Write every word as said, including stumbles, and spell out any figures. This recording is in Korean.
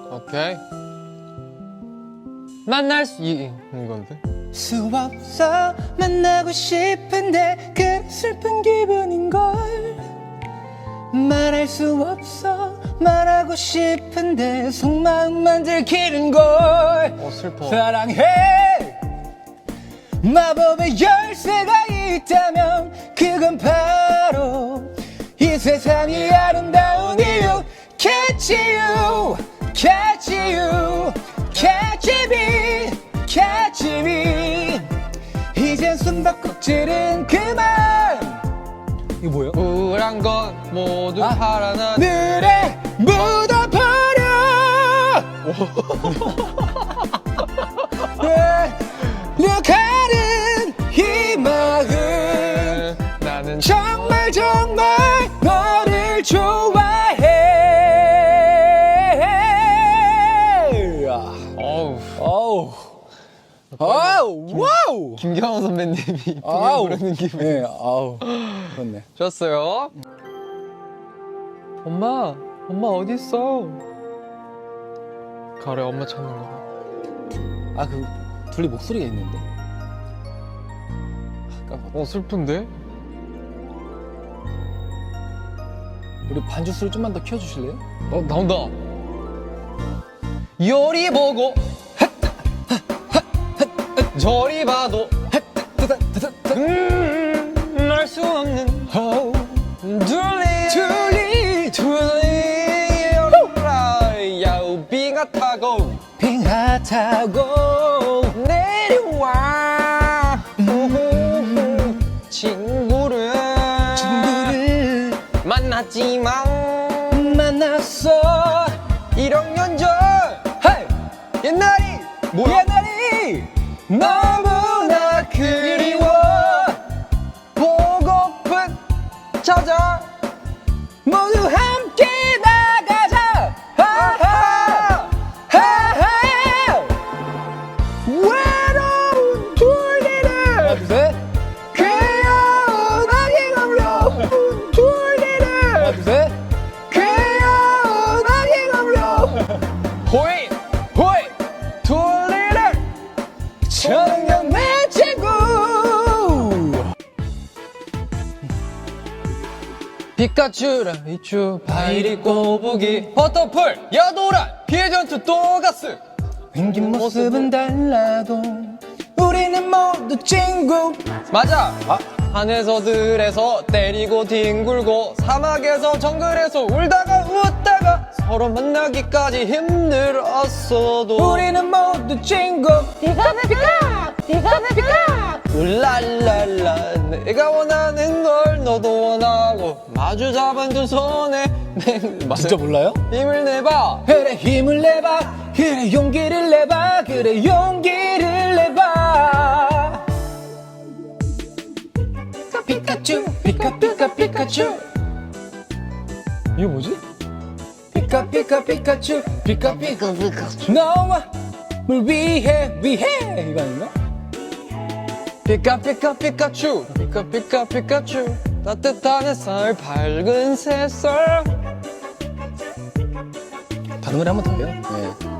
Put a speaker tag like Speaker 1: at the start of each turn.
Speaker 1: 오케이. 만날 수 이, 이건데.
Speaker 2: 수 없어 만나고 싶은데 그 슬픈 기분인걸. 말할 수 없어 말하고 싶은데 속마음만 들키는걸.
Speaker 1: 어 슬퍼.
Speaker 2: 사랑해 마법의 열쇠가 있다면 그건 바로 이 세상이 아름다운 이유. Catch you, catch you, catch me, catch me. 이젠 숨바꼭질은 그만. 이거 뭐예요?
Speaker 1: 우울한 것 모두
Speaker 2: 아.
Speaker 1: 파란한
Speaker 2: 늘에 묻어버려. 려가는 이 마음.
Speaker 1: 나는
Speaker 2: 정말 정말 너를 좋아해.
Speaker 1: 어우
Speaker 2: 어우 아우 와우.
Speaker 1: 김경호 선배님이
Speaker 2: 아우
Speaker 1: 부르는 기분.
Speaker 2: 네, 아우 그렇네.
Speaker 1: 좋았어요. 엄마, 엄마 어디 있어? 가을에 엄마 찾는 거.
Speaker 2: 아 그 둘이 목소리가 있는데.
Speaker 1: 어 슬픈데?
Speaker 2: 우리 반주 소리 좀만 더 키워주실래요?
Speaker 1: 어 나온다. 요리 보고 저리 봐도 음, 알 수 없는 둘리
Speaker 2: 둘리
Speaker 1: 둘리 야우 비가 타고
Speaker 2: 빙하 타고
Speaker 1: 내려와 음, 친구를
Speaker 2: 친구를
Speaker 1: 만났지만
Speaker 2: 만났어.
Speaker 1: 일 학년 전
Speaker 2: 헤이
Speaker 1: 옛날이 뭐야?
Speaker 2: 옛날이
Speaker 1: 너무나 그리워 보고픈 찾아
Speaker 2: 모두 함께 나가자. 하하 하하. 외로운 둘리를 하나 둘셋
Speaker 1: 귀여운 아기감로 둘리를
Speaker 2: 하나 둘셋
Speaker 1: 귀여운 아기감로 호이 호이 둘리를
Speaker 2: 저녁 내 친구.
Speaker 1: 피카츄 라이츄 바이리 꼬부기 버터풀 야도란 피해 전투 또가스
Speaker 2: 생긴 모습은 달라도 우리는 모두 친구.
Speaker 1: 맞아.
Speaker 2: 아.
Speaker 1: 산에서 들에서 때리고 뒹굴고 사막에서 정글에서 울다가 웃다가 서로 만나기까지 힘들었어도
Speaker 2: 우리는 모두 친구.
Speaker 3: 피카 피카 피카 피카
Speaker 1: 울랄랄라 내가 원하는 걸 너도 원하고 마주 잡은 두 손에 내
Speaker 2: 진짜 몰라요?
Speaker 1: 힘을 내봐.
Speaker 2: 그래 힘을 내봐. 그래 용기를 내봐. 그래 용기를 내봐. 피카츄 피카 피카 피카츄. 이게 뭐지? 피카 피카 피카츄 피카 피카 피카츄. 너와 물 위해 위해 이거 아닌가?
Speaker 1: 피카 피카 피카츄 피카 피카 피카츄 따뜻한 햇살 밝은 새살.
Speaker 2: 다른 노래 한 번 더 해요. 네.